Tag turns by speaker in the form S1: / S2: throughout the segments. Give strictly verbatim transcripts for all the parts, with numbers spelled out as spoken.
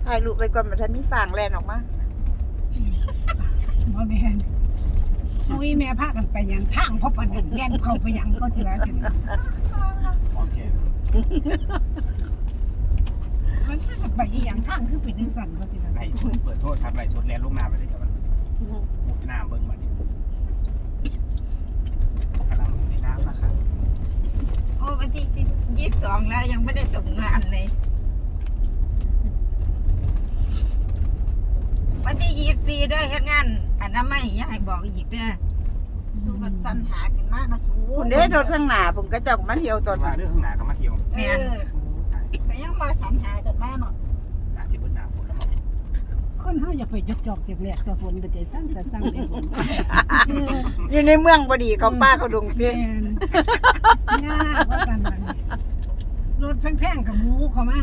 S1: ถ่ายรูปไปก่อนมันถ้ามีสร้างแลนออกมา
S2: บ่แม่นอุ้ยแม่พากันไปหยังทางเพราะปานนั้นแล่นเข้าไปหยังก็สิว่าจัง
S3: โอเค
S2: มันพากันไปอีหยังทางคือเป็นจังซั่นก็สิว่า
S3: ไล่ชดเปิดโทรศัพท์ไล่ชดแลนลูกน้ำไปเลยจ้ะมันมุดน้ำเบิ่งมันกำลังอยู่ในน้ำนะครับ
S4: โอ้วันที่สิบยี่สิบสองแล้วยังไม่ได้ส่งงานเลยวันที่ยี่สิบสี่ได้เฮ็ดงานอันนั้นไม่อย่าให้บอกอีกเด้อ
S2: สู้กันสัญหาขึ้นมานะสู้
S1: คุณเด้รถข้างหน้าผมก็จะมาเที่ยวตอน
S3: มาเรื่องข้างหน้าก็มาเที่ยว
S4: แม่น
S2: ก็ยังมาสัญหากันมาเนาะ
S3: หน้าสิบเบิ้ลหน้าฝนแล้ว
S2: คนเฮาอยากไปจอกจอกจากแหลกแต่ฝนก็ใจสั่งแต่สั่งได้ฝน
S1: อยู่ในเมืองพอดีเขาป้าเขาดงเตี้ย
S2: ง่าว่าสั่นมันรถแพงๆกับหมูเข้ามา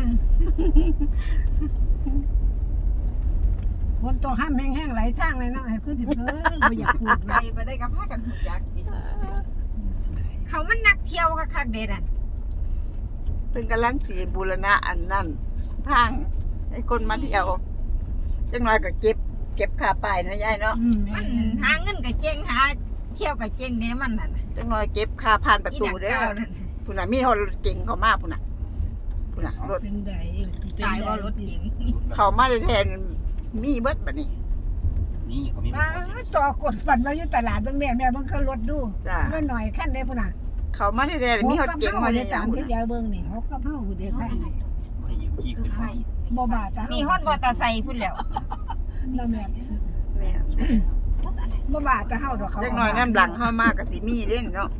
S2: ฝนตกห้ามแห้งๆไหลช่างเลยเนาะให้คือสิเพิ่นบ่อยากพูด
S4: ไปไปได้กับพากันหูจักดิเขามันนักเที่ยวคักๆเด็ดอ่ะ
S1: เป็นกำลังสีบูรณะอันนั่นทางให้คนมาเที่ยวจังหน่อยก็เก็บเก็บค่าป้ายนะยายเนาะ
S2: อืม
S4: มันหาเงินกับเจ๊งหาเที่ยวกับเจ๊งเนี่ยมันน่ะ
S1: จังหน่อยเก็บค่าผ่านประ
S4: อี
S1: ตู
S4: ดัก
S1: เด้อ
S4: เก่านั่น
S1: พุ่นน่ะมีรถเก่งเขามาพุ่นน่ะพุ่นน่ะรถ
S2: เป็นได
S4: ตายว่ารถเก๋ง
S1: เขามาได้แทนมีเบิดบัดนี้
S3: นี่เขามี
S2: มาต่อกดปั่นมาอยู่ตลาดเบิ่งแม่แม่เบิ่งเขารถดู
S1: จ้า
S2: ว่าหน่อยขั้นได้พุ่นน่ะ
S1: เขามาได้แทนมีรถเก่ง
S2: มา
S1: มา
S2: เล
S1: ได้
S2: ย
S1: ยั
S2: ตาง ม
S1: พุ่น
S2: ที่
S1: น่ะ
S2: เดียวเบิ่งนี่เขากับเฮาเดียวขั้นนี่
S3: ไม่ยืมขี้ขึ้นไฟ
S2: บ่บาตา
S4: มีฮอดมอเตอร์ไซค์พุ่นแล้ว
S2: แล้วแม่
S1: แม่
S2: บ่บาตาเฮาดอกเขา
S1: จังหน่อยน้ำหลังเฮามาก็สิมีเด้เนาะ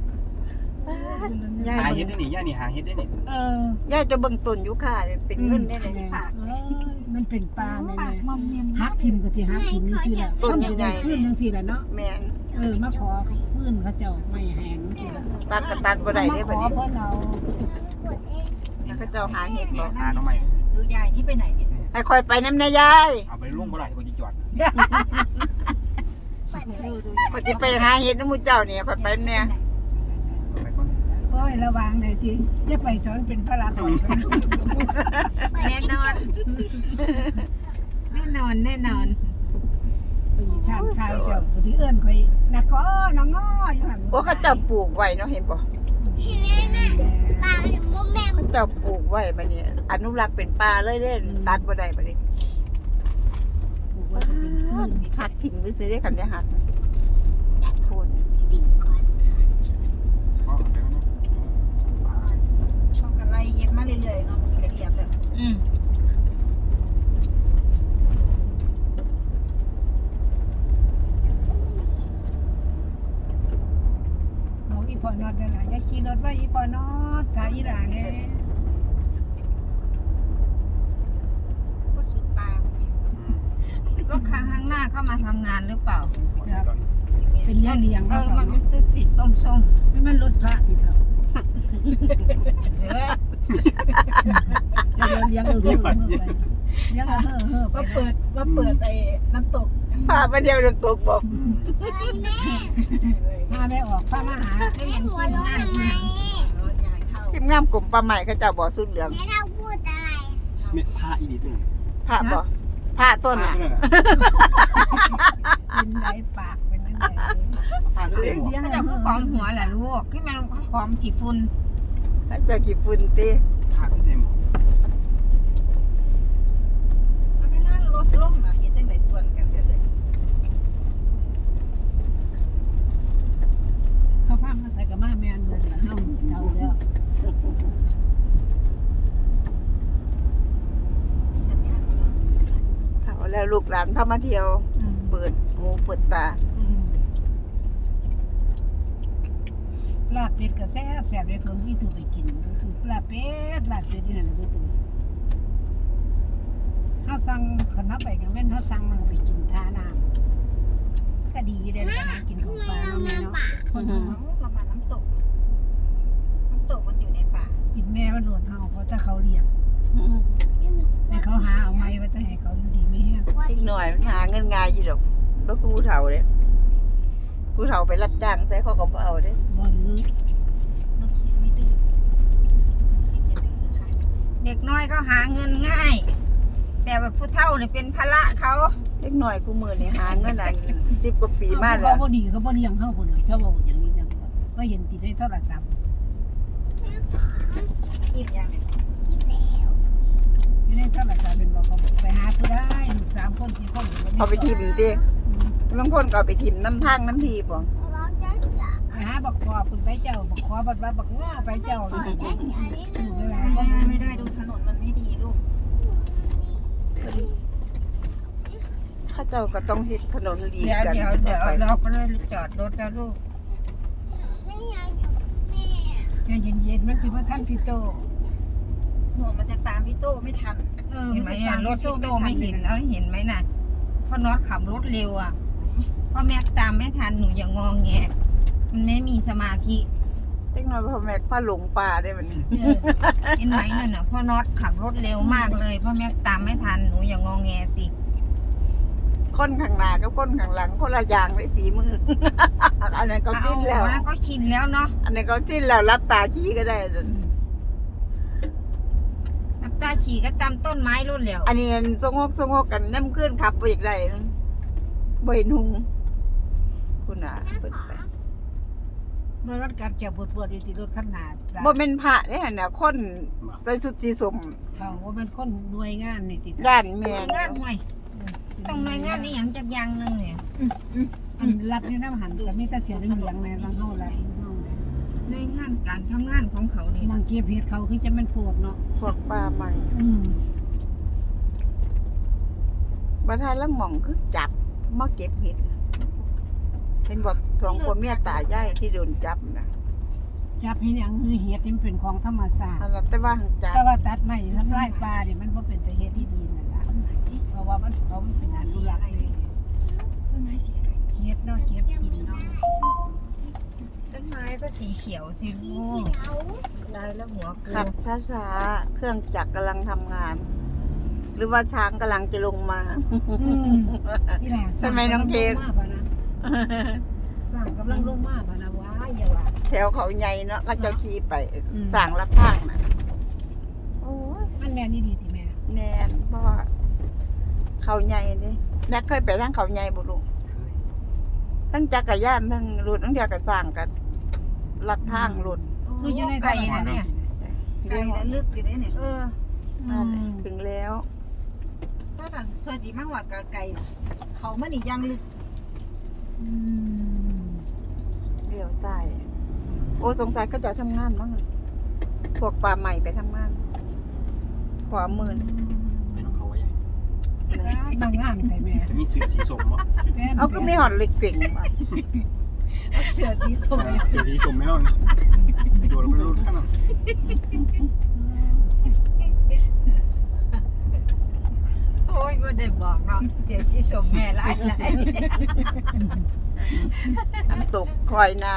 S1: ยาย
S3: หา
S1: เบิ่
S3: เฮ็ด
S1: ง
S3: ได้นี่ย่านี่หาเฮ็ดได้นี่
S4: เออย
S1: ายจะเบิ่งต้นอยู่ค่ะเป็นเงินได้เลย
S2: ค่ะมันเป็นปลาแม่ฮักทิมก็สิฮักทิมจังซี่แหละต้นใหญ่ๆขึ้นจังซี่แหละเนาะ
S1: แม่น
S2: เออมาขอฟื้นเขาเจ้าไม่แห้งจังซี่ล่ะ
S1: ตัดก็ตัดบ่ได้เด้
S2: มา
S1: บัด
S2: ขอ
S1: นี้
S2: เพิ่นเอา
S1: แล้วเขาเจ้าหาเห็ด
S3: นี่
S1: บ่
S3: หาน้องใหม่
S4: ดูยายนี่ไปไหนเนี่ย
S1: ให้คอยไปน้ำนายาย
S3: เอาไปลงบ่ได้คนที่จอด
S4: ดูดู
S1: พอยสิไปหาเห็ดน้ำหมูเจ้านี่คอยไปเนี่ย
S3: ไปก่อน
S2: โอ้ยระวังได้ทีอย่าไปจนเป็นพระราคอย
S4: แน่นอน แน่นอนแน่นอน
S2: เป็นชาติชายเจ้าที่เอื้อนคอยนักก้อน้องง้ออยู่หั่น
S1: ว่าเขาเจ้าปลูกไว้เนาะเห็นบ่
S5: ปลาหนึ่งโมแม่
S1: เขาเจ้าปลูกไว้บัดนี้อนุรักษ์เป็นป่าเลยเด้ตัดบ่ได้บัดนี้
S2: ปลูกไว้ก็เป็นฟืน
S1: หักทิ้งไว้ซื้อได้คันได้หักโคน
S5: ติดก่อน
S3: ก็เอาไปแล้วเนาะ
S4: ชอบกันไล่เย็บมาเรื่อยๆเนาะมันก็เรียบแล้วอืม
S2: บอกอีพอนอดได้ล่ะอย่าขี่รถไว้อีพอนอดถ่ายอีหล่าแน่
S4: ก็สุดตา
S3: อืม
S4: รถคันข้างหน้าเข้ามาทำงานหรือเปล่า
S3: ขอสิก่อน
S2: เป็นเลี้ยงเลี้ยง
S4: เอ
S2: เขา
S4: อ มันเป็นชุดสีส้ม
S2: ไม่มันรถพระพี่เฒ่า
S4: ๆเออ
S2: เดี๋ยวเลี้ยงเออเออเออไปเลี้ยงเออเออมาเปิดมาเปิดไอ้น้ำตก
S1: พามาเดียวน้ำตกบ่
S3: อืม
S5: เฮ้ยแม่
S2: พาแม่ออกพามาหา
S4: ก็ยัง
S5: หัว
S4: ทีม
S5: เราะ
S4: งาน
S5: ทำไม
S1: ทีมงามกลุ่มปลาใหม่เขาเจ้าบ่สุดเหลือง
S5: แม่เราพูดอะไร
S3: เม็ดผ้าอีดีตัวนี้
S1: ผ้าบ่ผ้าต้น
S3: ผ้า
S1: น่ะ
S3: ตัวนั้นน่ะ
S2: เป็นไหลปากเป็นนั่นแหละ
S3: ผ้าก็เสียหมวก
S4: ก็จะคือความหัวแหละลูกที่มันความฉีดฝุ่น
S1: เขาเจ้ากี่ฝุ่นติ
S3: ผ้าก็เสียหมวก
S4: มันไม่น่ารถล่มอ่ะเห็นตั้งแต่ส่วนกันกันเลย
S2: เขาพามาใส่กับมาแมนเมือนละเฮาเท่าแล้ว
S4: มีสัญญาณมาแล้ว
S1: เขาแล้วลูกหลานพามาเที่ยวเปิดหูเปิดตา
S2: ลาบเป็ดก็แซ่บแซ่บเลยเพิ่งที่ถูกไปกินลาบเป็ดลาบเป็ดอยู่นั่นน่ะคือเฮาสั่งขนมไปกันแม่นเฮาสั่งมันไปกินทาน้ำก็ดีได้เลยนะกินของปลาเนาะแม่เนาะ
S4: เรามาน้ำตก น้ำตกมันอยู่ในป่า
S2: กินแม่มันโดนเฮาเพราะถ้าเขาเลี้ยงให้เขาหาเอาไม้ไว้จะให้เขาอยู่ดีไม่แห้ง
S1: อีกหน่อยมันหาเงินง่ายอยู่ดอกบ่คือผู้เฒ่าเด้ผู้เฒ่าไปรับจ้างใส่เขาก็บ่เอาเด้
S2: บ่หรือ
S4: เราคิดไม่ดื้อคิดจะดื้อค่ะ เด็กน้อยก็หาเงินง่าย แต่แต่แบบผู้เฒ่าเนี่ยเป็นภาระเขา
S1: เล็กหน่อยกูมือนี่หาเงินอันสิบกว่าปีมา
S2: เขา
S1: แล้ว
S2: บ่ดีเขาบ่เลี้ยงเฮาคนเดียวเจ้าบอกอย่างนี้จังก็เห็นติดในโทรศัพท์
S4: อิ่มยังเนี่ย
S5: กินแล้ว
S2: อยู่ในโทรศัพท์เป็นบอกเขาไปหาผู้ได้ลูกสามคนสี่คน
S1: เอาไปทิมติบางคนก็เอาไปทิมน้ำทางน้ำทีบ่
S5: เราจะจับ
S2: ไปหาบักคอคุณไปเจ้าบักคอบักว่าบักง้อไปเจ้า
S5: ก่อนจะจับนี่
S2: อยู่หลาย
S4: ไม่
S2: คน
S4: ได้ไม่ได้ดูถนนมันไม่ดีลูก
S1: ข้าเจ้าก็ต้องเฮ็ดถนนดี
S4: เดี๋ยว
S1: กัน
S4: เดี๋ยวเดี๋ยวเราก็เลยจอดรถแล้วลูก
S5: ไม่อยากอยู่แม่
S2: ใจเย็นๆมันสิมาท่านพี่โต
S4: หนูมันจะตามพี่โต้ไม่ทันเห็นไหมอ่ะรถพี่โต้ไม่เห็นแล้วเห็นไหมน่ะเพราะน็อตขับรถเร็วอ่ะเพราะแม็กตามไม่ทันหนูอย่างงองแงมันไม่มีสมาธิ
S1: จังหน่อยพ่อแม่พาหลงป่าได้บัดนี้
S4: เห็นไหมนั่นน่ะพ่อน็อตขับรถเร็วมากเลยพ่อแม็กตามไม่ทันหนูอย่างงองแงสิ
S1: คนข้างหน้ากับคนข้างหลังคนละอย่างเลยฝีมือ อันนั้นเขาจิ้นแล้ว
S4: เอามาก็ชินแล้วเนาะ
S1: อันนั้นเขาจิ้นแล้วรับตาขี้ก็ได้
S4: น้ำตาขี่ก็ตามต้นไม้รุ่นแล้ว
S1: อันนี้สงกสงกกันน้ำขึ้นขับไปอีกได้บ่เห็นหุงคุณน่ะเพิ่นไป
S2: เมื่อรถกัดเจ็บปวดๆอยู่ที่รถขนาด
S1: บ่เป็นพระเด้หั่นน่ะคนใส่ชุดสีส้ม
S2: เขาว่าเป็นคนหน่วยงานนี่ติด
S1: ย่าน
S4: ห
S1: แม่
S4: น่วยงานห่วยต้องหน่วยงานนี่อย่างจักอย่างหนึงเนี่ย
S2: อันรัดนี่น้ำหันแต่มีแต่เสียเหลืองๆในบางเฮาไรเฮา
S4: หน่วยงานการทำงานของเขานี่
S2: บางเก็บเห็ดเขาคือจะเป็นพวกเนาะ
S1: พวกป่าใหม่
S2: อืม
S1: บ่ทันละหม่องคือจับมาเก็บเห็ดเป็นบอกสองผัวเมียตายายที่โดนจับน่ะ
S2: จับให้ยังคือเห็ดที่มันเป็นของธรรมชาติ
S1: อันนั้นแต่ว่าหังจับ
S2: แต่ว่าตัดไม้ทำลายป่านี่มันบ่เป็นแต่เฮ็ดที่ดีนั่นล่ะเพราะว่ามันเขามันเป็นอาชีพ
S4: ต้นไม้สีอะไร
S2: เฮ็ดเนาะเก็บกินเนาะ
S4: ต้นไม้ก็สีเขียวสิ
S5: สี
S4: ลูก
S5: เขียว
S4: ได้แล้วหัวกู
S1: ขับช้าๆเครื่องจักรกำลังทำงาน หรือว่าช้างกำลังจะลงมา
S2: อืมนี่แหละ
S1: ใช่ไหมน้องเค้ก
S2: สร้างกำลังลงมากพะนะว้ายอย่าว่า
S1: แถวเขาใหญ่เนาะก็จะขี่ไป
S2: อืม
S1: สร้างรับทางนะโอ้ย
S2: มันแม่นนี่ดีติแม่
S1: แน่นเพราะว่าเขาใหญ่นี่แม่เคยไปทางเขาใหญ่บุรุษทั้งจักรยานทั้งรถทั้งเดียวกับสร้างกันลัดทางรถ
S2: คืออยู่ใน
S4: ไก่นะเนี่ยไก่
S1: เดี๋ยว
S4: นะลึกอยู่เนี่ยเออ
S1: นั่นแหละถึงแล้ว
S4: ถ้าแต่สวยจีมากกว่าไก่น่ะเขามันอีกยังลึก
S2: อืม
S1: เลี้ยวซ้ายโอ้สงสัยเขาจะทำงานบ้างพวกป่าใหม่ไปทำงาน ขวามือ
S3: เป็นของเขาไว้ยัง
S2: บางงามแต่แม่
S3: จะมีเสือสีส้มวะ
S1: เอาก็มีหอดเหล็กเก่งมา
S2: เสือที่สวย
S3: เสือสีส้มไม่รอดไปดูแล้วไม่รู้ท่านหรอก
S4: โอ้ยไม่ได้บอกเนาะเสียสีสมแม่ไรไร
S1: น้ำตกคอยนาง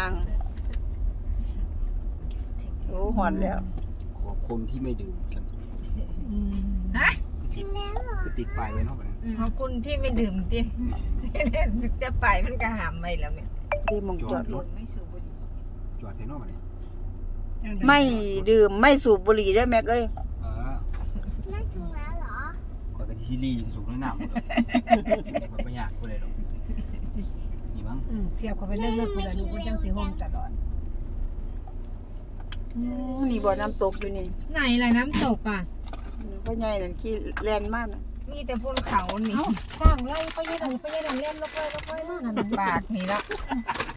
S1: โอ้หอนแล้ว
S3: ขอบคนที่ไม่ดื่มฉัน
S2: อืม
S5: ถึงแล้วเหรอ
S3: ไปติดป้ายไว้นอกไปนั้น
S4: ขอบคุณที่ไม่ดื่มติจะไปมันก็หามไปแล้วแม่
S1: ดีมองจอดรถ
S4: ไม่สูบบุหรี่
S3: จอดใส่นอกไปเลย
S1: ไม่ดื่มไม่สูบบุหรี่ด้วยแม็กเอ้ย
S3: เออ
S5: นั่งถึงแล้วเหรอ
S3: ก่อนกับชิลี่สูงข้างหน้าหมดเลยมันไม่ยากกูเลยหรอกนี่มั้ง
S2: อืมเสียบเข้าไปเรื่อยๆคนละดูคนจังสีห่มตลอด
S1: นี่บ่อน้ำตกอยู่นี่
S4: ไหนล่ะน้ำตกอ่ะ
S1: พ่อใหญ่นั่นขี้แลนมากนะ
S4: มีแต่พนเขานี่
S2: เอ้าสร้างไร่ไปยังไงไปยังไงเล่นลกเลยลกเลยมากนั่น
S4: ปากนี่ละ